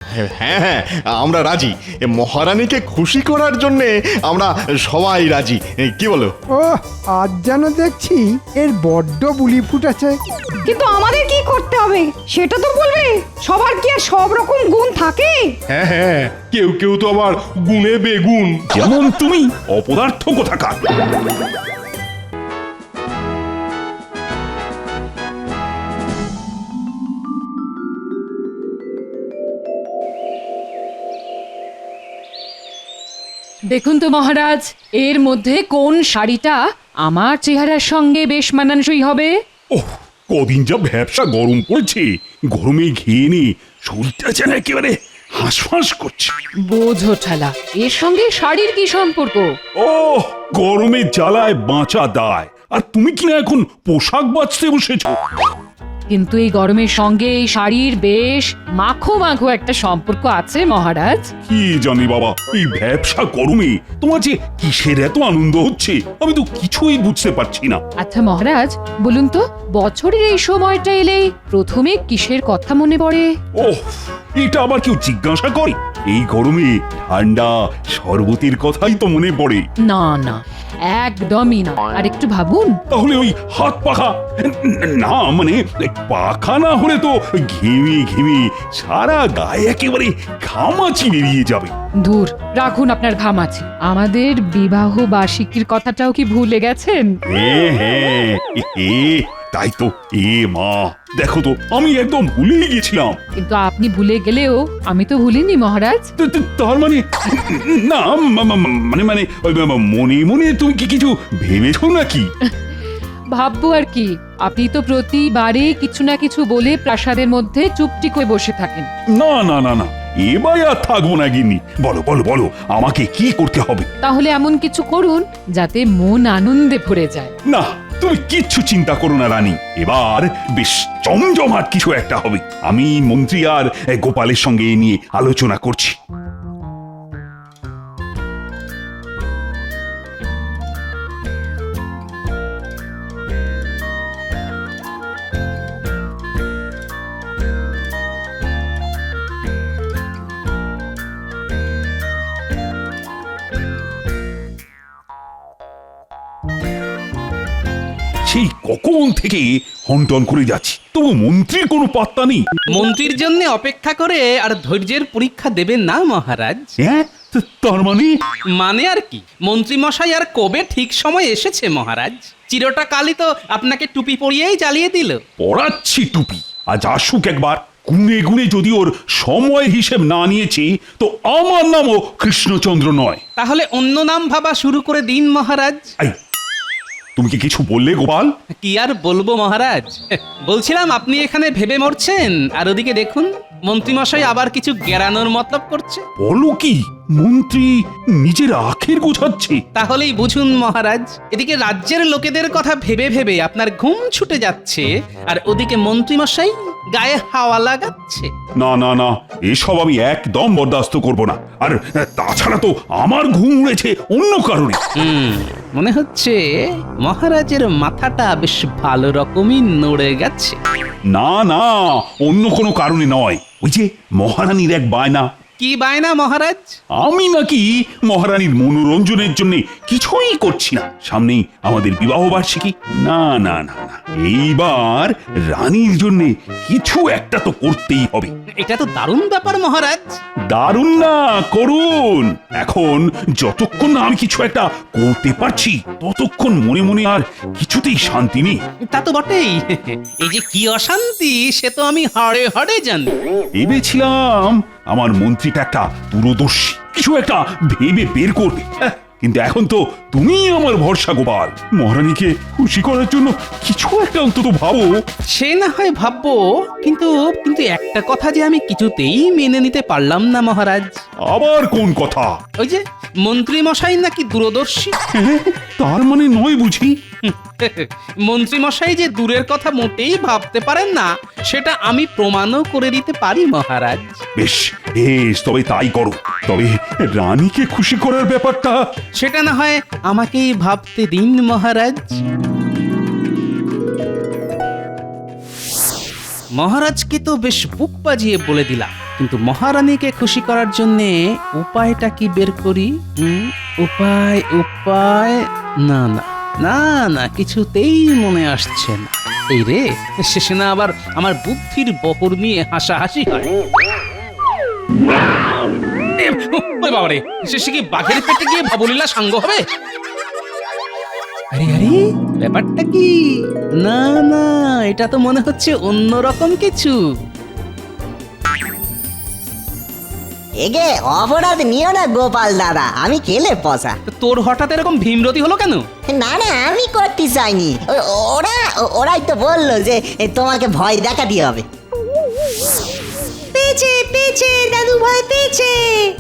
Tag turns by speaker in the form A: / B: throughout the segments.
A: হ্যাঁ হ্যাঁ, আমরা রাজি। মহারানীকে খুশি করার জন্যে আমরা সবাই রাজি, কি বলো?
B: ও আজ যেন দেখছি এর বড্ড বুলি ফুটেছে।
C: কিন্তু আমাদের কি করতে হবে সেটা তো বলবে। সবার কি আর সব রকম গুণ থাকে?
D: হ্যাঁ হ্যাঁ, কেউ কেউ তো আবার গুণে বেগুন, যেমন তুমি অপদার্থ কোথাকার।
E: দেখুন তো মহারাজ, এর মধ্যে কোন শাড়িটা আমার চেহারার সঙ্গে বেশ মানানসই হবে?
D: ওহ, কদিন যা ব্যবসা গরম পড়েছে, গরমে ঘেয়ে নে শরীরটা যেন একেবারে হাঁসফাঁস করছে।
E: বোঝো ঠালা, এর সঙ্গে শাড়ির কি সম্পর্ক?
D: ও গরমে জ্বালায় বাঁচা দায়, আর তুমি কিনা এখন পোশাক বাঁচতে বসেছো।
E: কিন্তু এই গরমের সঙ্গে এই শাড়ির বেশ মাখো মাখো একটা সম্পর্ক আছে মহারাজ।
D: কি জানি বাবা, এই ব্যবসা গরমে তোমার যে কিসের এত আনন্দ হচ্ছে আমি তো কিছুই বুঝতে পারছি না।
E: আচ্ছা মহারাজ, বলুন তো বছরের এই সময়টা এলেই প্রথমে কিসের কথা মনে পড়ে?
D: ওহ, এটা আবার কেউ জিজ্ঞাসা করে? এই গরমে ঠান্ডা শরবতের কথাই তো মনে পড়ে।
E: না না, একদমই না। আর একটু ভাবুন।
D: তাহলে ওই হাত পাখা, না মানে পাখা না হলে তো ঘেমে ঘেমে সারা গায়ে একেবারে ঘামাচি বেরিয়ে যাবে।
E: দূর রাখুন আপনার ঘামাচি, আমাদের বিবাহ বার্ষিকীর কথাটাও কি ভুলে গেছেন?
D: হ্যাঁ হ্যাঁ, তাই তো। এ মা, দেখো তো আমি একদম ভুলেই গেছিলাম।
E: কিন্তু আপনি ভুলে গেলেও আমি তো ভুলিনি মহারাজ।
D: তার মানে না, মানে মানে ওই মনে মনে তুমি কি কিছু ভেবেছো নাকি?
E: ভাববো আর কি, আপনি তো প্রতিবারে কিছু না কিছু বলে প্রাসাদের মধ্যে চুপটি করে বসে থাকেন।
D: না না না না, এবার আর থাকবো না গিন্নি। বলো বলো বলো, আমাকে কি করতে হবে?
E: তাহলে এমন কিছু করুন যাতে মন আনন্দে ভরে যায়।
D: না, তুমি কিচ্ছু চিন্তা করো না রানী, এবার বেশ জমজমাট কিছু একটা হবে। আমি মন্ত্রী আর গোপালের সঙ্গে এ নিয়ে আলোচনা করছি। সেই কখন থেকে হন্টন করে যাচ্ছি, তবু মন্ত্রীর কোনো পাত্তা নেই।
F: মন্ত্রীর জন্য অপেক্ষা করে আর ধৈর্যের পরীক্ষা দেবেন না মহারাজ।
D: হ্যাঁ, তার মানে?
F: মানে আর কি, মন্ত্রী মশাই আর কবে ঠিক সময় এসেছে মহারাজ। চিরটা কালই তো আপনাকে টুপি পরিয়েই জ্বালিয়ে দিল।
D: পড়াচ্ছি টুপি, আজ আসুক একবার। গুনে গুনে যদি ওর সময় হিসেব না নিয়েছি তো আমার নামও কৃষ্ণচন্দ্র নয়।
F: তাহলে অন্য নাম ভাবা শুরু করে দিন মহারাজ।
D: এই, তুমি কি কিছু বললে গোপাল?
F: কি আর বলবো মহারাজ, বলছিলাম আপনি এখানে ভেবে মরছেন আর ওদিকে দেখুন মন্ত্রীমশাই আবার কিছু গেরানোর মতলব করছে।
D: বলো কি, মন্ত্রী নিজের আখের গোছাচ্ছে?
F: তাহলেই বুঝুন মহারাজ, এদিকে রাজ্যের লোকেদের কথা ভেবে ভেবে আপনার ঘুম ছুটে যাচ্ছে আর ওদিকে মন্ত্রীমশাই গায়ে হাওয়া লাগাচ্ছে।
D: না না না, এসব আমি একদম বরদাস্ত করব না। আর তাছাড়া তো আমার ঘুম উড়েছে অন্য কারণে।
F: মনে হচ্ছে মহারাজের মাথাটা বেশ ভালো রকমই নড়ে গেছে।
D: না না, অন্য কোনো কারণে নয়। ওই যে মহারানীর এক বায়না।
F: কি বায়না মহারাজ?
D: আমি নাকি মহারানীর মনোরঞ্জনের জন্য কিছুই করছি না। সামনেই আমাদের বিবাহ বার্ষিকী। না না না না, এইবার রানীর জন্য কিছু একটা তো করতেই হবে।
F: এটা তো দারুণ ব্যাপার মহারাজ।
D: দারুণ না, করুন। এখন যতক্ষণ না আমি কিছু একটা করতে পারছি ততক্ষণ মনে মনে আর কিছুতেই শান্তি নেই।
F: তা তো বটেই, এই যে কি অশান্তি সে তো আমি হাড়ে হাড়ে জানি।
D: ভেবেছিলাম আমার মন্ত্রীটা একটা দূরদর্শী, কিছু একটা ভেবে বের করবে। কিন্তু এখন তো তুমি আমার ভরসা গোপাল। মহারানীকে খুশি করার জন্য কিছু একটা অন্তত ভাবো।
F: সে না হয় ভাববো, কিন্তু কিন্তু একটা কথা যে আমি কিছুতেই মেনে নিতে পারলাম না মহারাজ।
D: আবার কোন কথা?
F: ওই যে মন্ত্রী মশাই নাকি দূরদর্শী।
D: তার মানে নয় বুঝি?
F: মন্ত্রী মশাই যে দূরের কথা মোটেই ভাবতে পারেন না সেটা আমি প্রমাণও করে দিতে পারি মহারাজ।
D: বেশ বেশ, তবে তাই করো। তবে রানীকে খুশি করার ব্যাপারটা
F: সেটা না হয় আমাকেই ভাবতে দিন মহারাজ। মহারাজকে তো বেশ বুক বাজিয়ে বলে দিলাম, কিন্তু মহারানীকে খুশি করার জন্যে উপায়টা কি বের করি? উপায় উপায় না না না না, কিছুতেই মনে আসছে না। এই রে, শেষে না আবার আমার বুদ্ধির বহর নিয়ে হাসাহাসি হয়। ওই বাবারে, শেষে কি বাঘের পেটে গিয়ে ভবলীলা সাঙ্গ হবে? আরে আরে, ব্যাপারটা কি? না না, এটা তো মনে হচ্ছে অন্যরকম কিছু।
G: এগে অপরাধ নিও না গোপাল দাদা, আমি খেলে পসা।
F: তো তোর হঠাৎ এরকম ভীমরতি হলো কেন?
G: না না, আমি করতে চাইনি, ওরাই তো বললো যে তোমাকে ভয় দেখাতে হবে। পেয়েছে পেয়েছে দাদু, ভয় পেয়েছে।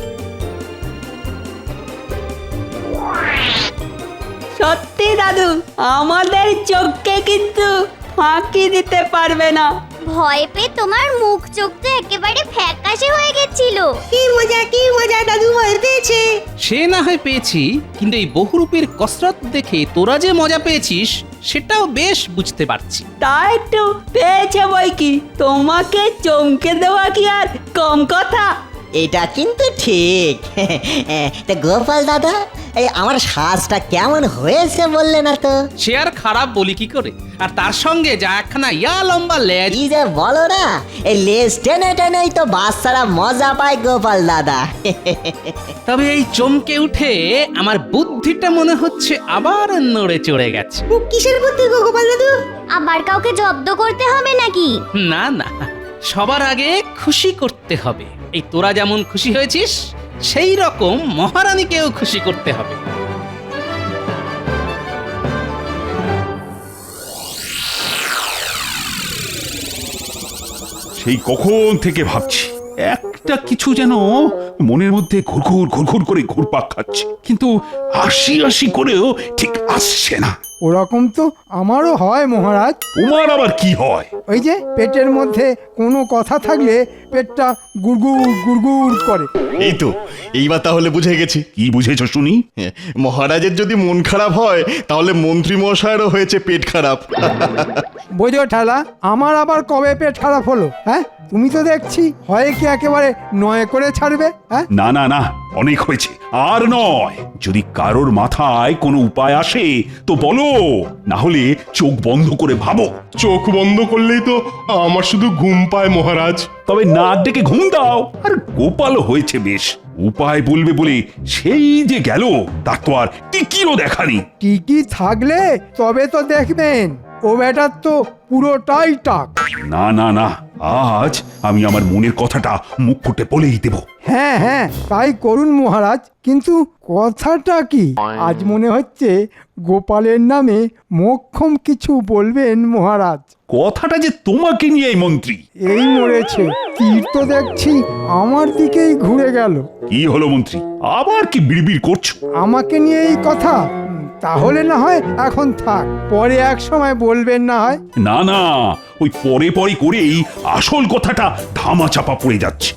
H: সত্যি দাদু, আমাদের চোখকে কিন্তু ফাঁকি দিতে পারবে না।
I: ভয় পেয়ে তোমার মুখ চোখ তো একেবারে ফ্যাকাশে হয়ে গেছিল।
G: কি মজা দাদু, ভয় পেয়েছে।
F: সে না হয় পেয়েছি, কিন্তু এই বহুরূপীর কসরত দেখে তোরা যে মজা পেয়েছিস সেটাও বেশ বুঝতে পারছি।
H: তা একটু পেয়েছে বই কি, তোমাকে চমকে দেওয়া কি আর কম কথা?
G: এটা কিন্তু ঠিক। তা গোপাল দাদা, এই আমার সাজটা কেমন হয়েছে বললে না তো?
F: সে আর খারাপ বলি কি করে? আর তার সঙ্গে যা একখানা লম্বা লেজ।
G: কি যে বলো না, এই লেজ টেনে টেনেই তো বাচ্চারা মজা পায় গোপাল দাদা।
F: তবে এই চমকে উঠে আমার বুদ্ধিটা মনে হচ্ছে আবার নড়ে চড়ে গেছে।
G: কিসের বুদ্ধি গো গোপাল দাদু?
I: আবার কাউকে জব্দ করতে হবে নাকি?
F: না না, সবার আগে খুশি করতে হবে। এই তোরা যেমন খুশি হয়েছিস, সেই রকম মহারানীকেও খুশি করতে হবে।
D: সেই কখন থেকে ভাবছি একটা কিছু যেন মনের মধ্যে ঘুরঘুর ঘুরঘুর করে ঘুরপাক খাচ্ছে, কিন্তু আশি আশি করেও ঠিক আসছে না।
B: ওরকম তো আমারও হয় মহারাজ।
D: তোমার আবার কি হয়?
B: ওই যে পেটের মধ্যে কোনো কথা থাকলে পেটটা গুড়গুড় গুড়গুড় করে।
A: এই তো, এইবার তাহলে বুঝে গেছি।
D: কি বুঝেছ শুনি?
A: মহারাজের যদি মন খারাপ হয় তাহলে মন্ত্রী মশাইয়েরও হয়েছে পেট খারাপ।
B: বোঝো ঠেলা, আমার আবার কবে পেট খারাপ হলো? হ্যাঁ, তুমি তো দেখছি হয় কি একেবারে নয় করে ছাড়বে। হ্যাঁ,
D: না না না, অনেক হয়েছে, আর নয়। যদি কারোর মাথায় কোনো উপায় আসে তো বলো, না হলে চোখ বন্ধ করে ভাবো।
J: চোখ বন্ধ করলেই তো আমার শুধু ঘুম পায় মহারাজ।
D: তবে নাক ডেকে ঘুম দাও। আর গোপালও হয়েছে বেশ, উপায় বলবে বলে সেই যে গেল, তার তো আর টিকিও দেখানি।
B: টিকি থাকলে তবে তো দেখবেন, ও বেটার তো পুরোটাই টাক।
D: না না না, আজ আমি আমার মনের কথাটা মুখ ফুটে বলেই দেব।
B: হ্যাঁ হ্যাঁ, তাই করুন মহারাজ। কিন্তু কথাটা কি? আজ মনে হচ্ছে গোপালের নামে মোক্ষম কিছু বলবেন মহারাজ।
D: কথাটা যে তোমাকে নিয়ে মন্ত্রী।
B: এই মরেছে, তীর তো দেখছি আমার দিকেই ঘুরে গেল।
D: কি হলো মন্ত্রী, আবার কি বিড়বিড় করছো?
B: আমাকে নিয়ে এই কথা? তাহলে না হয় এখন থাক, পরে এক সময় বলবেন না হয়।
D: না না, ওই পরে পরে করেই আসল কথাটা ধামা চাপা পড়ে যাচ্ছে।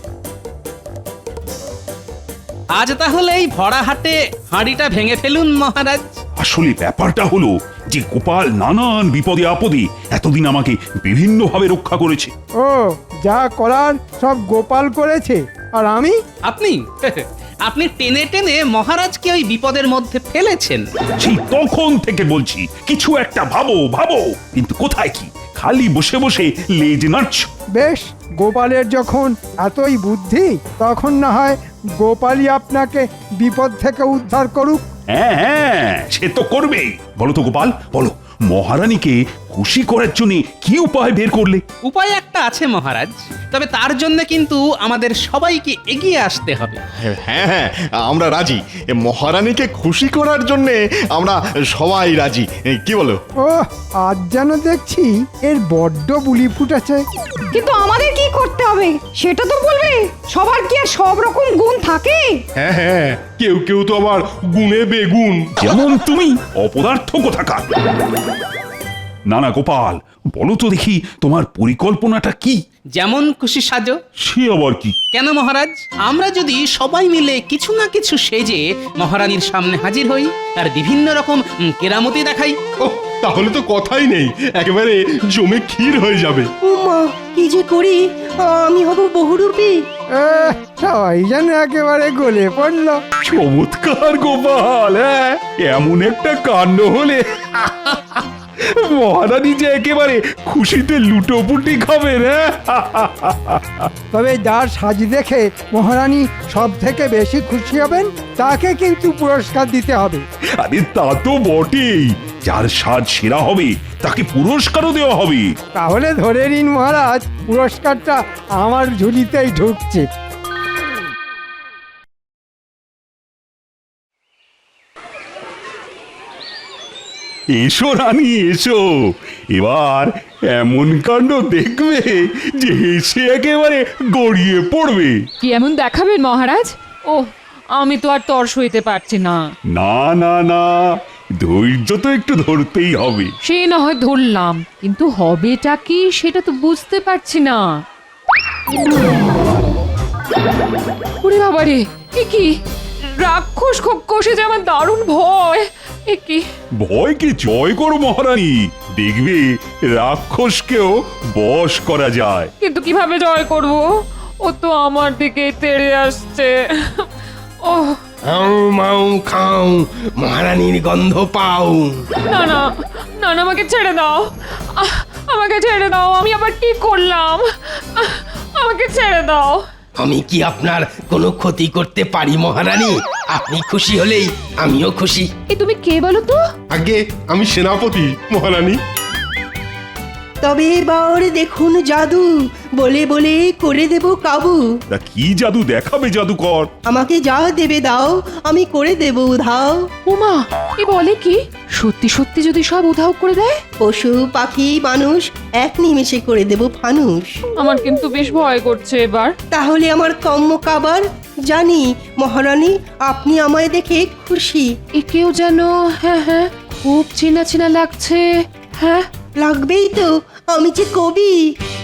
F: আজ তাহলে এই ভরা হাটে হাঁড়িটা ভেঙে ফেলুন মহারাজ।
D: আসলে ব্যাপারটা হলো যে গোপাল নানান বিপদে আপদে এতদিন আমাকে বিভিন্নভাবে রক্ষা করেছে।
B: ও, যা করার সব গোপাল করেছে, আর আমি?
F: আপনি আপনি টেনে টেনে মহারাজকে ওই বিপদের মধ্যে ফেলেছেন।
D: সেই তখন থেকে বলছি কিছু একটা ভাবো ভাবো, কিন্তু কোথায় কি, খালি বসে বসে লেজ নাড়ছ।
B: বেশ, গোপালের যখন এতই বুদ্ধি, তখন না হয় গোপালই আপনাকে বিপদ থেকে উদ্ধার করুক।
D: হ্যাঁ হ্যাঁ, সে তো করবেই। বলো তো গোপাল, বলো, মহারানীকে খুশি করার জন্য কি উপায় বের করলে?
F: উপায় একটা আছে মহারাজ, তবে তার জন্য কিন্তু আমাদের সবাইকে এগিয়ে আসতে হবে।
A: হ্যাঁ হ্যাঁ, আমরা রাজি। মহারানীকে খুশি করার জন্য আমরা সবাই রাজি। কি বলো?
B: ও, আজ যেন দেখছি এর বড্ড বুলি ফুটেছে।
C: কিন্তু আমাদের কি করতে হবে সেটা তো বলবে। সবার কি আর সব রকম গুণ থাকে?
J: হ্যাঁ হ্যাঁ, কেউ কেউ তো আবার গুণে বেগুন।
D: যেমন তুমি, অপদার্থ কোথাকার। না না গোপাল, বলো তো দেখি তোমার পরিকল্পনাটা কি?
F: যেমন খুশি সাজো।
D: সে আবার কি?
F: কেন মহারাজ, আমরা যদি সবাই মিলে কিছু না কিছু সেজে মহারানীর সামনে হাজির হই আর বিভিন্ন রকম কেরামতি দেখাই।
J: ও, তাহলে তো কথাই নেই, একেবারে জমে ক্ষীর হয়ে যাবে।
H: উমা, কি যে করি, আমি হব বহুরূপী।
B: সবাই যেন একেবারে গলে পড়লো।
D: চমৎকার গোপাল, হ্যাঁ এমন একটা কাণ্ড হলে মহারানী যে একেবারে খুশিতে লুটোপুটি খাবেন। হ্যাঁ
B: তবে যার সাজ দেখে মহারানী সব থেকে বেশি খুশি হবেন তাকে কিন্তু পুরস্কার দিতে হবে।
D: আরে তা তো বটেই, যার সাজ সেরা হবে তাকে পুরস্কারও দেওয়া হবে।
B: তাহলে ধরে নিন মহারাজ, পুরস্কারটা আমার ঝুলিতেই ঢুকছে।
D: এসো রানী এসো, এবার এমন কাণ্ড দেখবে যে হেসে একেবারে গড়িয়ে পড়বে।
E: কি এমন দেখাবেন মহারাজ? ও, আমি তো আর তর সইতে পারছি না।
D: না না না, ধৈর্য তো একটু ধরতেই হবে।
E: সে না হয় ধরলাম, কিন্তু হবেটা কি সেটা তো বুঝতে পারছি না। ওরে বাবারে, এ কি রাক্ষস কষে যে আমার দারুণ ভয়। এ কি
D: ভয়কে জয় করো মহারানী, দেখবে রাক্ষসকেও বশ করা যায়।
E: কিন্তু কিভাবে জয় করব? ও তো আমার দিকে তেড়ে আসছে। ও
K: হাউ মাউ খাও, মহারানীর গন্ধ পাও।
E: না না না না, আমাকে ছেড়ে দাও, আমাকে ছেড়ে দাও। আমি আবার কি করলাম? আমাকে ছেড়ে দাও।
K: আমি কি আপনার কোনো ক্ষতি করতে পারি মহারানী? আপনি খুশি হলেই আমিও খুশি।
E: এ তুমি কে বলো তো?
J: আগে আমি সেনাপতি মহারানী।
H: তবে এবার দেখুন জাদু, বলে বলে করে দেব কাবু।
D: তা কি জাদু দেখাবে জাদুকর?
H: আমাকে যা দেবে দাও, আমি করে দেব উধাও।
E: উমা, এ বলে কি? সত্যি সত্যি যদি সব উধাও করে দেয়?
H: পশু পাখি মানুষ এক নিমেষে করে দেব ফানুষ।
E: আমার কিন্তু বেশ ভয় করছে এবার।
H: তাহলে আমার কম্ম কাবার, জানি মহারানী আপনি আমায় দেখে খুশি।
E: একেও যেন হ্যাঁ হ্যাঁ খুব চেনা চেনা লাগছে। হ্যাঁ
H: লাগবেই তো, আমি যে কবি।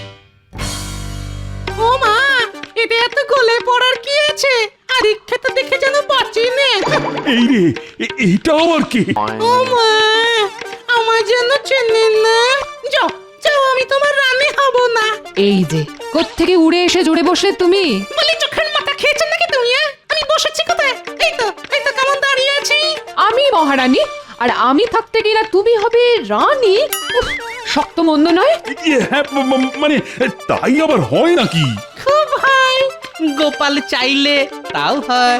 F: ও মা, এতে এত গলে পড়ার কি আছে? আর ইচ্ছাটা দেখে যেন বাঁচি নে।
D: এই রে, এইটা আবার কে?
F: ও মা, আমার জন্য চেনে না। যাও যাও, আমি তোমার রানী হব না।
E: এই যে কোত্থেকে উড়ে এসে জুড়ে বসলে তুমি?
F: বলি চোখের মাথা খেয়েছেন নাকি তুমি? আমি বসেছি কোথায়? এই তো কেমন দাঁড়িয়ে আছি।
E: আমি মহারানী, আর আমি থাকতে গেলে তুমি হবে রানী? উফ, শক্ত মন্দ নয়।
D: হ্যাঁ মানে তাই আবার হয় নাকি?
F: খুব হয়, গোপাল চাইলে তাও হয়।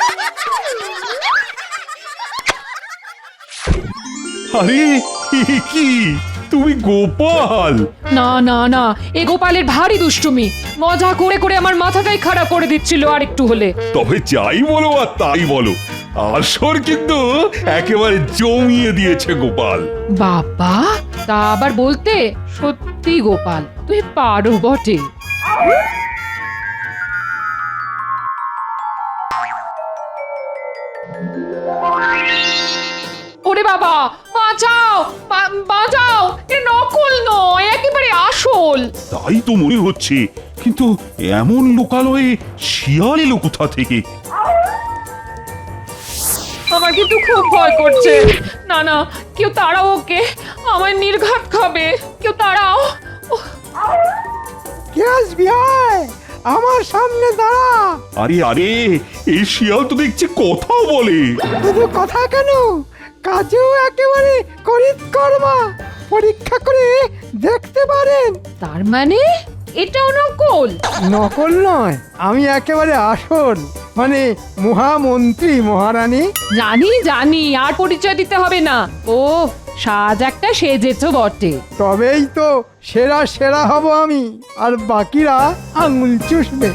D: আরে এ কি, তুমি গোপাল?
E: না না না, এ গোপালের ভারী দুষ্টুমি। মজা করে করে আমার মাথাটাই খারাপ করে দিচ্ছিল আর একটু হলে।
D: তবে যাই বলো আর তাই বলো, আসর কিন্তু একেবারে জমিয়ে দিয়েছে গোপাল।
E: বাবা, তা আবার বলতে? সত্যি গোপাল, তুই পারো বটে। ওরে বাবা, বাঁচাও বাঁচাও, এ নকল নয়, একেবারে আসল।
D: তাই তো মনে হচ্ছে, কিন্তু এমন লোকালয়ে শিয়াল এলো কোথা থেকে?
E: আমার কিন্তু খুব ভয় করছে। না না, কেউ তাড়াও ওকে, আমার নির্ঘাত খাবে। কেউ তাড়াও।
B: কে আসবি আয়, আমার সামনে দাঁড়া।
D: আরে আরে, এই শিয়াল তো দেখছি কথাও বলে।
B: শুধু কথা কেন, কাজেও একেবারে কর্মা। পরীক্ষা করে দেখতে পারেন।
E: তার মানে এটাও নকল?
B: নকল নয়, আমি একেবারে আসল, মানে মহামন্ত্রী মহারানী।
E: জানি জানি, আর পরিচয় দিতে হবে না। ও, সাজ একটা সেজেছ বটে।
B: তবেই তো সেরা সেরা হব আমি, আর বাকিরা আঙুল চুষবে।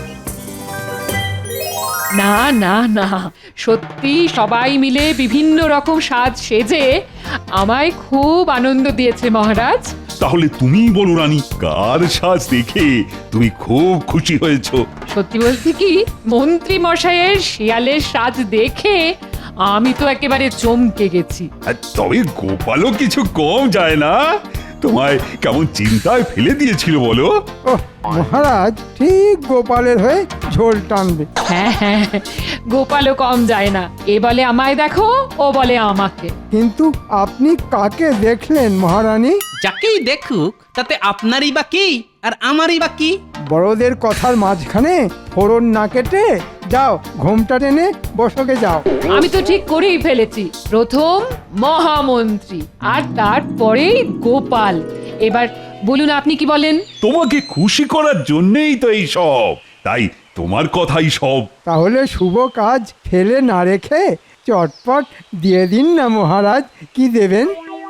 E: না না না, সত্যি সবাই মিলে বিভিন্ন রকম সাজ সেজে আমায় খুব আনন্দ দিয়েছে মহারাজ।
D: তাহলে তুমি বলো রানী, কার সাজ দেখে তুমি খুব খুশি হয়েছো?
E: সত্যি বলতে কি, মন্ত্রী মশাইয়ের শিয়ালের সাজ দেখে আমি তো একেবারে চমকে গেছি।
D: আর তবে গোপালও কিছু কম যায় না। তোমায় কেমন চিন্তায় ফেলে দিয়েছিল বলো?
B: ওহ মহারাজ ঠিক গোপালের হয়ে ঝোল টানবে।
E: হ্যাঁ হ্যাঁ, গোপালও কম যায় না, এ বলে আমায় দেখো, ও বলে আমাকে।
B: কিন্তু আপনি কাকে দেখলেন মহারানী?
F: যাকেই দেখুক তাতে আপনারই বা কি আর আমারই বা কি?
B: বড়দের কথার মাঝখানে ফোড়ন না কেটে যাও, ঘোমটা টেনে বসকে যাও।
E: আমি তো ঠিক করেই ফেলেছি, প্রথম মহামন্ত্রী আর তারপরেই গোপাল। এবার বলুন আপনি কি বলেন?
D: তোমাকে খুশি করার জন্যই তো এই সব, তাই তোমার কথাই সব।
B: তাহলে শুভ কাজ ফেলে না রেখে চটপট দিয়ে দিন না মহারাজ, কি দেবেন?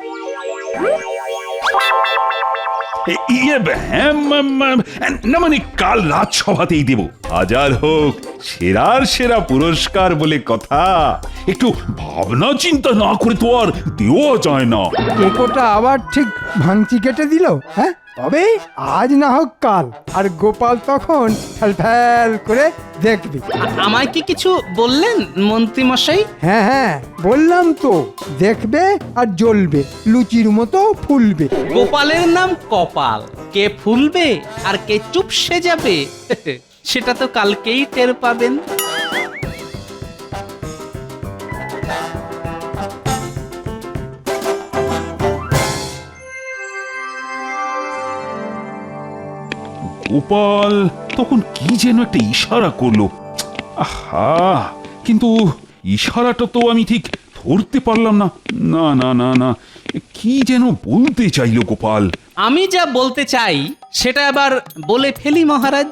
D: না মানে কাল রাজসভাতেই দেব, হাজার হোক সেরার সেরা পুরস্কার বলে কথা। একটু ভাবনা চিন্তা না করে তো আর দেওয়া যায় না।
B: কেকোটা আবার ঠিক ভাঙচি কেটে দিল। হ্যাঁ, তবে আজ না হোক কাল, আর গোপাল তখন ফ্যাল করে দেখবে।
F: আমায় কি কিছু বললেন মন্ত্রী মশাই?
B: হ্যাঁ হ্যাঁ বললাম তো, দেখবে আর জ্বলবে, লুচির মতো ফুলবে।
F: গোপালের নাম কপাল, কে ফুলবে আর কে চুপসে যাবে সেটা তো কালকেই টের পাবেন।
D: গোপাল তখন কি যেন একটা ইশারা করলো, আহা, কিন্তু ইশারাটা তো আমি ঠিক ধরতে পারলাম না। না না না না, কি যেন বলতে চাইলো গোপাল।
F: আমি যা বলতে চাই সেটা আবার বলে ফেলি মহারাজ।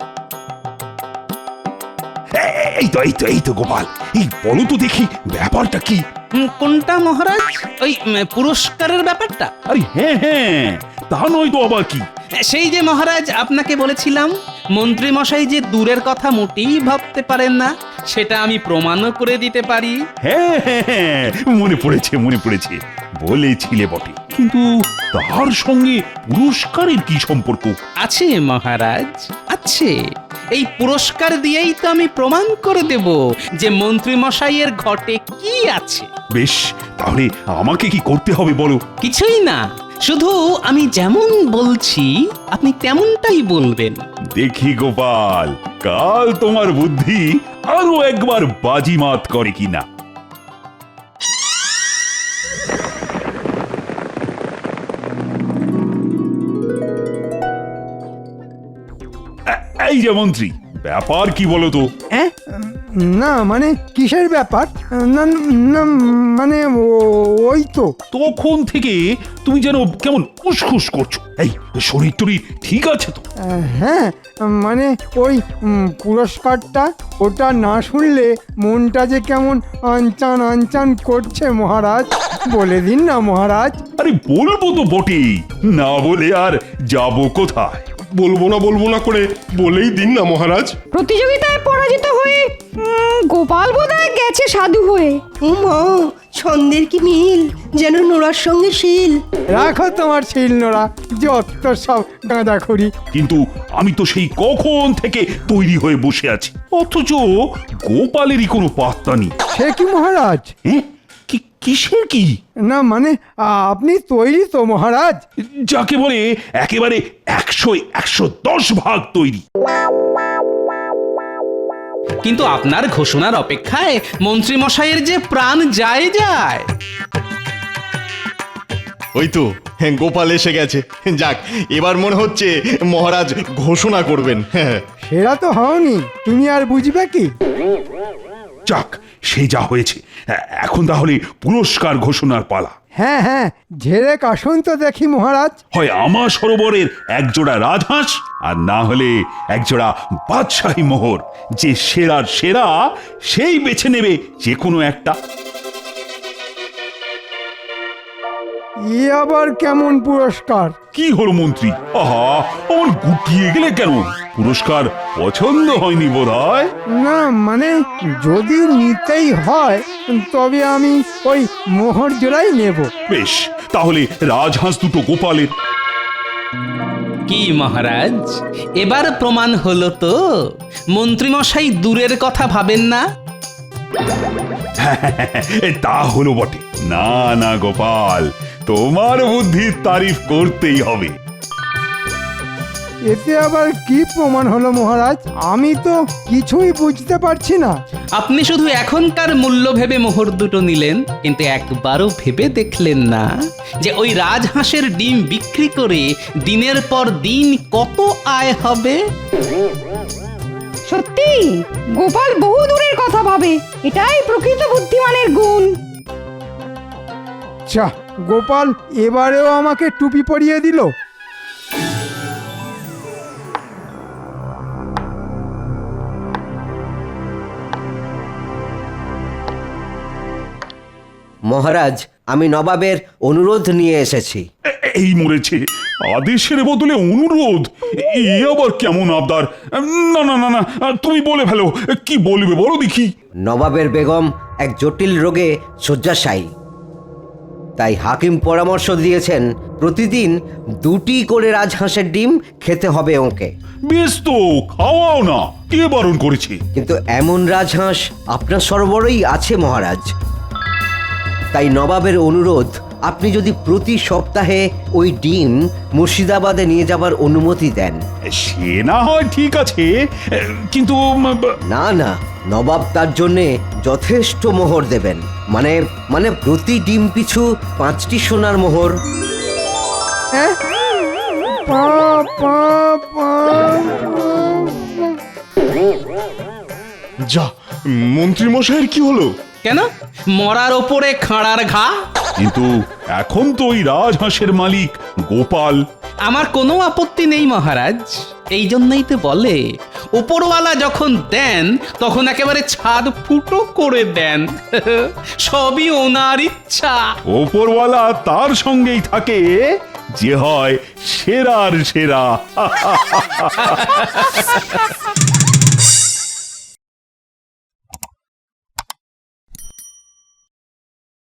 D: এই তো গোপাল, এই বলো তো দেখি ব্যাপারটা কি?
F: কোনটা মহারাজ? ওই পুরস্কারের ব্যাপারটা?
D: আরে হ্যাঁ হ্যাঁ, তা নয় তো আবার কি?
F: সেই যে মহারাজ আপনাকে বলেছিলাম মন্ত্রী মশাই যে দূরের কথা মোটেই ভাবতে পারেন না, সেটা আমি প্রমাণও করে দিতে পারি।
D: হ্যাঁ হ্যাঁ হ্যাঁ, মনে পড়েছে, বলেছিলে বটে, কিন্তু তার সঙ্গে পুরস্কারের কি সম্পর্ক?
F: আছে মহারাজ, আছে। এই পুরস্কার দিয়েই তো আমি প্রমাণ করে দেব যে মন্ত্রী মশাইয়ের ঘটে কি আছে।
D: বেশ, তাহলে আমাকে কি করতে হবে বলো?
F: কিছুই না, শুধু আমি যেমন বলছি আপনি তেমনটাই বলবেন।
D: দেখি গোপাল, কাল তোমার বুদ্ধি আরো একবার বাজিমাত করে কিনা। এই যে মন্ত্রী, ব্যাপার কি বলো তো?
B: হ্যাঁ, না মানে কিসের ব্যাপার? না না মানে ওই তো
D: তখন থেকে তুমি যেন কেমন উসখুস করছো। এই শরীর টরীর ঠিক আছে তো?
B: হ্যাঁ, মানে ওই পুরস্কারটা, ওটা না শুনলে মনটা যে কেমন আনচান আনচান করছে মহারাজ, বলে দিন না মহারাজ।
D: আরে বলবো তো বটেই, না বলে আর যাবো কোথায়?
J: বলবো না করে বলেই দিন না মহারাজ।
C: প্রতিযোগিতায় পরাজিত হয়ে গোপাল বোধহয় গেছে সাধু হয়ে।
L: উমা, ছন্দের কি মিল, যেন নোড়ার সঙ্গে শিল।
B: রাখো তোমার শিল নোড়া, যত সব গাঁদাখড়ি।
D: কিন্তু আমি তো সেই কখন থেকে তৈরি হয়ে বসে আছি, অথচ গোপালেরই কোনো পাত্তা নেই।
B: সে কি মহারাজ?
D: কিসের কি?
B: না মানে আপনি তৈরি তো মহারাজ?
D: যাকে বলে একেবারে 100-110 ভাগ তৈরি।
F: কিন্তু আপনার ঘোষণার অপেক্ষায় মন্ত্রী মশাইয়ের যে প্রাণ যায়।
A: ওই তো গোপাল এসে গেছে। যাক, এবার মনে হচ্ছে মহারাজ ঘোষণা করবেন। হ্যাঁ,
B: সেটা তো হওনি, তুমি আর বুঝবে কি?
D: যাক, সে যা হয়েছে, এখন তাহলে পুরস্কার ঘোষণার পালা।
B: হ্যাঁ হ্যাঁ, ঝেড়ে কাশুন তো দেখি মহারাজ।
D: হয় আমার সরোবরের একজোড়া রাজহাঁস, আর না হলে একজোড়া বাদশাহী মোহর। যে সেরার সেরা সেই বেছে নেবে যে কোনো একটা।
B: ই আবার কেমন পুরস্কার?
D: কি হলো মন্ত্রী, আহা, আমার গুটিয়ে গেলে কেন? পুরস্কার পছন্দ হয়নি বোধহয়?
B: না মানে যদি নিতেই হয় তবে আমি ওই মোহর জোড়াই নেব।
D: বেশ, তাহলে রাজহাঁস দুটো গোপালের।
F: কি মহারাজ, এবার প্রমাণ হলো তো মন্ত্রী মশাই দূরের কথা ভাবেন না।
D: তা হলো বটে। না না গোপাল, তোমার বুদ্ধির তারিফ করতেই হবে।
B: এতে আবার কি প্রমাণ হলো মহারাজ? আমি তো কিছুই বুঝতে পারছি না।
F: আপনি শুধু এখনকার মূল্য ভেবে মোহর দুটো নিলেন, কিন্তু একবারও ভেবে দেখলেন না যে ওই রাজহাঁসের ডিম বিক্রি করে দিনের পর দিন কত আয় হবে।
C: সত্যি গোপাল বহু দূরের কথা ভাবে, এটাই প্রকৃত বুদ্ধিমানের গুণ।
B: আচ্ছা, গোপাল এবারেও আমাকে টুপি পরিয়ে দিল।
M: মহারাজ, আমি নবাবের অনুরোধ নিয়ে এসেছি।
D: এই মরেছে, আদেশের বদলে অনুরোধ, এ আবার কেমন আবদার? না না না না, তুমি বলে ফেলো, কি বলবে বলো দেখি।
M: নবাবের বেগম এক জটিল রোগে শয্যাশায়ী, তাই হাকিম পরামর্শ দিয়েছেন প্রতিদিন 2টি করে রাজহাঁসের ডিম খেতে হবে ওকে।
D: বেশ তো, খাওয়াও না, কে বারণ করেছে?
M: কিন্তু এমন রাজহাঁস আপনার সরবরাহই আছে মহারাজ। তাই নবাবের অনুরোধ, আপনি যদি প্রতি সপ্তাহে ওই ডিম মুর্শিদাবাদে নিয়ে যাবার অনুমতি দেন।
D: সে না হয় ঠিক আছে, কিন্তু
M: না না, নবাব তার জন্যে যথেষ্ট মোহর দেবেন, মানে প্রতি ডিম পিছু 5টি সোনার মোহর।
B: হ্যাঁ? পা, পা, পা,
A: যা, মন্ত্রী মশাইয়ের কি হলো?
F: কেন? মরার ওপরে খাঁড়ার ঘা।
D: কিন্তু এখন তো ওই রাজহাঁসের মালিক গোপাল।
F: আমার কোনো আপত্তি নেই মহারাজ, এই জন্যই তো বলে ওপরওয়ালা যখন দেন তখন একেবারে ছাদ ফুটো করে দেন। সবই ওনার ইচ্ছা।
D: ওপরওয়ালা তার সঙ্গেই থাকে যে হয় সেরার সেরা।